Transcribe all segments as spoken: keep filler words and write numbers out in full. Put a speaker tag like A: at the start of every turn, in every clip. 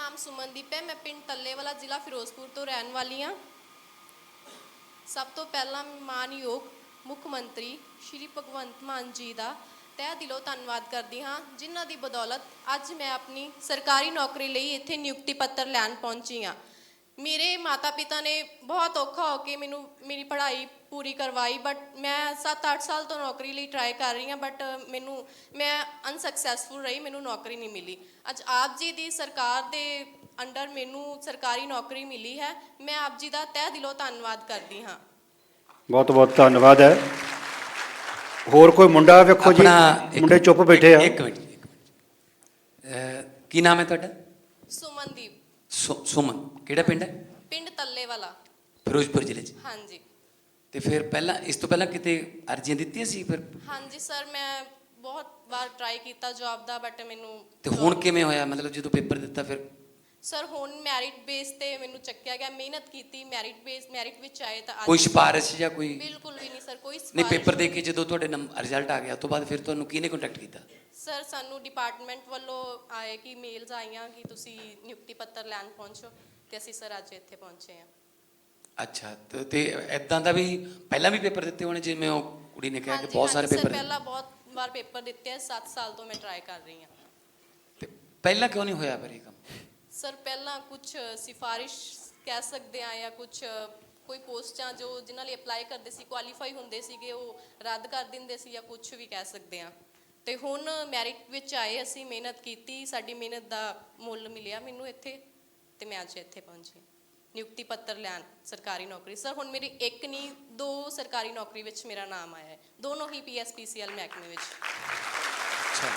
A: नाम सुमनदीप है। मैं पिंड टल्लेवाला जिला फिरोजपुर तो रहने वाली हाँ। सब तो पहला मानयोग मुख मंत्री श्री भगवंत मान जी का तह दिलों धन्यवाद करती हाँ, जिन्हों की बदौलत अज मैं अपनी सरकारी नौकरी लिए इत्थे नियुक्ति पत्र लैन पहुँची हाँ। मेरे माता पिता ने बहुत औखा होके मैनू मेरी पढ़ाई पूरी करवाई, बट मैं सत्त अठ साल तो नौकरी लिए ट्राई कर रही हाँ, बट मैनू मैं अनसक्सैसफुल रही, मैनू नौकरी नहीं मिली। अज आप जी की सरकार के अंडर मैनू सरकारी नौकरी मिली है। मैं आप जी का तह दिलों धन्यवाद करती हाँ।
B: बहुत बहुत धन्यवाद है। होर कोई मुंडा वेखो जी, मुंडे चुप बैठे आ।
C: एक मिनट एक मिनट की नाम है तुहाडा?
A: सुमनदीप।
C: सु सुमन किहड़ा पिंड है?
A: पिंड टल्लेवाला,
C: फिरोजपुर जिले च।
A: हाँ जी।
C: तो फिर पहला इस तो पहला किते अर्जियां दित्तियां सी फिर?
A: हाँ जी सर, मैं बहुत बार ट्राई किया जॉब का, बट मैनू
C: तो हुण किवें होया? मतलब जो पेपर दिता फिर?
A: सर हुण मैरिट बेस ते मैनू चक्या गया, मेहनत की, मैरिट बेस मैरिट विच आए तो
C: कोई सिफारिश या कोई?
A: बिल्कुल भी नहीं सर, कोई
C: नहीं। पेपर दे के जो तुहाडे रिजल्ट आ गया तो बाद फिर तुहानू किहने कंटैक्ट किया?
A: सर सानू डिपार्टमेंट वालों आए कि मेल्स आईयां कि तुसी नियुक्ति पत्र लैन पहुंचो, तो असीं सर अज इत्थे पहुंचे हैं।
C: अच्छा, तो ते इदां दा भी पहला भी पेपर दिते होने, जिवें ओह कुड़ी ने कहा कि बहुत सारे पेपर?
A: पहला बहुत बार पेपर दिते हैं, सत्त साल तो मैं ट्राई कर रही हाँ।
C: ते पहला क्यों नहीं होया फिर ये काम?
A: सर पहला कुछ सिफारिश कह सकते हैं या कुछ कोई पोस्टां जो जिन्हां लई अप्लाई करते सी क्वालीफाई हुंदे सीगे वो रद्द कर दिंदे सी, या कुछ भी कह सकते हैं। तो हुण मैरिट विच आए, असीं मेहनत की, साडी मेहनत दा मुੱਲ मिलिया मैनू इत्थे, ते मैं अज इत्थे पहुंची नियुक्ति पत्र लैन सरकारी नौकरी। सर हुण मेरी एक नहीं दो सरकारी नौकरी विच मेरा नाम आया है, दोनों ही P S P C L महकमे विच।
C: अच्छा,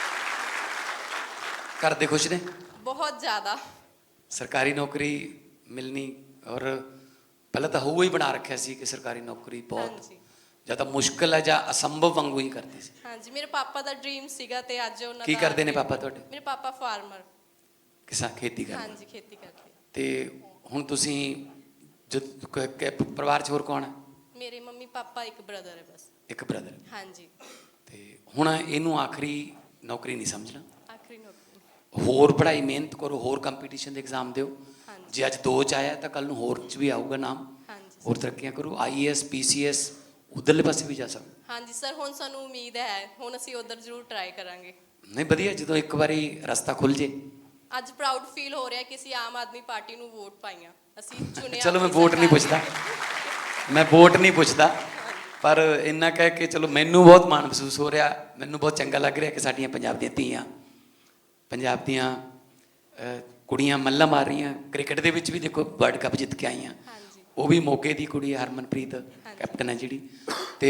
C: घर दे खुश ने?
A: बहुत ज़्यादा।
C: सरकारी नौकरी मिलनी और पहले तो हूँ ही बना रखा सी कि सरकारी नौकरी बहुत ज़्यादा मुश्किल है या असंभव वांगू ही करते सी।
A: हाँ जी, मेरे पापा का ड्रीम सीगा ते अज उन्हां
C: की
A: दा।
C: करते ने पापा तुहाडे?
A: मेरे पापा फार्मर,
C: किसान खेती करते?
A: हाँ जी, खेती करते।
C: ते हुण तुसीं जद परिवार च होर कौन है?
A: मेरे मम्मी पापा एक ब्रदर है बस।
C: एक ब्रदर?
A: हाँ जी।
C: ते हुण इहनूं आखिरी नौकरी नहीं समझना,
A: आखिरी नौकरी
C: होर पढ़ाई मेहनत करो, होर कंपीटीशन के एग्जाम दिओ।
A: हाँ जी।
C: जे अज दो च आया तो कल नूं होर च भी आऊगा नाम।
A: हाँ जी
C: होर तरक्कियां करो, I A S P C S उधरले पासे भी जा सकते।
A: हाँ जी सर, हुण सानू उम्मीद है, हुण असीं उधर जरूर ट्राई करांगे।
C: नहीं वधिया, जो एक बारी रस्ता खुल जे।
A: अज प्राउड फील हो रहा है कि असीं आम आदमी पार्टी नूं वोट पाईआं, असीं चुनिया।
C: चलो मैं वोट नहीं पुछदा, मैं वोट नहीं पुछदा, पर इन्ना कह के चलो मैनू बहुत माण महसूस हो रहा, मैनू बहुत चंगा लग रहा कि साडियां पंजाब दियां धीआं, पंजाब दियां कुड़ियां मल्ला मार रही। क्रिकेट दे विच भी देखो वर्ल्ड कप जित के आईआं, वो भी मोगे की कुड़ी है, हरमनप्रीत कैप्टन है जिहड़ी। ते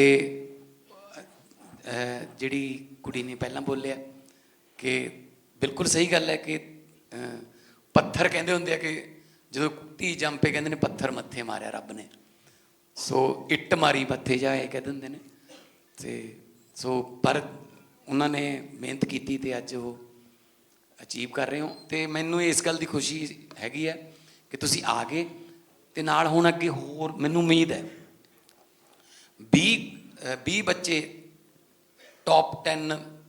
C: जिहड़ी कुड़ी ने पहला बोलिया कि बिल्कुल सही गल है कि पत्थर कहंदे हुंदे आ कि जो धी जम पे कहंदे ने पत्थर मत्थे मारिया रब ने, सो इट मारी मत्थे जा कह दिंदे ने। ते सो पर उन्होंने मेहनत की ते अज वो अचीव कर रहे हो, तो मैनू इस गल की खुशी हैगी है कि तुसी आ गए, ते नाल हुण अगे होर मैनू उम्मीद है भी भी बच्चे टॉप टेन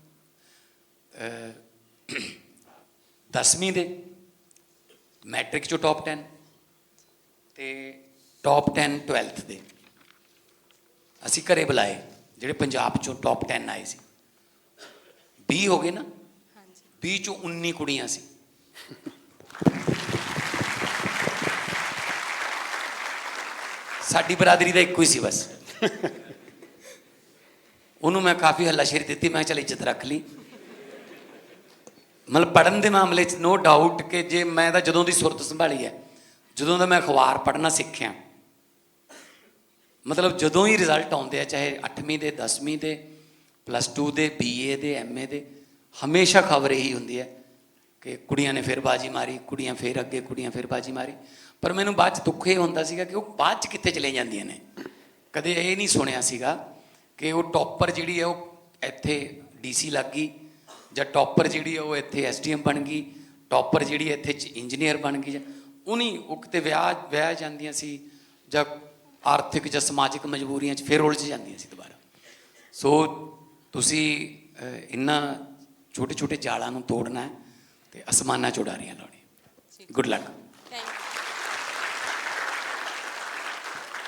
C: दसवीं दे, मैट्रिक चो टॉप टेन, ते टॉप टेन ट्वैल्थ दे असी घरे बुलाए, जिहड़े पंजाब चो टॉप टेन आए सी। भी हो गए ना, भी चो उन्नी कुड़ियां सी। साडी बरादरी का एक ही सी बस, उन्होंने मैं काफ़ी हल्लाशेरी दी, मैं चल इज्जत रख ली। मतलब पढ़न के मामले च नो डाउट कि जे मैं तो जदों की सुरत संभाली है, जदों का मैं अखबार पढ़ना सीखिया, मतलब जदों ही रिजल्ट आते हैं, चाहे अठवीं के दसवीं के प्लस टू के बी ए के एम ए के, हमेशा खबर यही होंगी है कि कुड़ियां ने फिर बाजी मारी, कुड़ियां फिर अगे, कुड़ियां फिर बाजी मारी। पर मैनू बाद दुख ये होंदा सीगा कि वो बाद च कित्थे चले जांदियां ने। कदे ये नहीं सुनिया सीगा कि वो टॉपर जिहड़ी है वो इत्थे डी सी लग गई, जां टॉपर जिहड़ी है वो इत्थे एस डी एम बन गई, टॉपर जिहड़ी इत्थे इंजीनियर बन गई, उन्हीं वो किते विआह विआह जांदियां सी, जां आर्थिक जां समाजिक मजबूरियां च फिर उलझ जांदियां सी दोबारा। सो तुसी इन्हां छोटे छोटे जालों तोड़ना है, तो आसमाना च उडारियां लाउणियां। Good luck.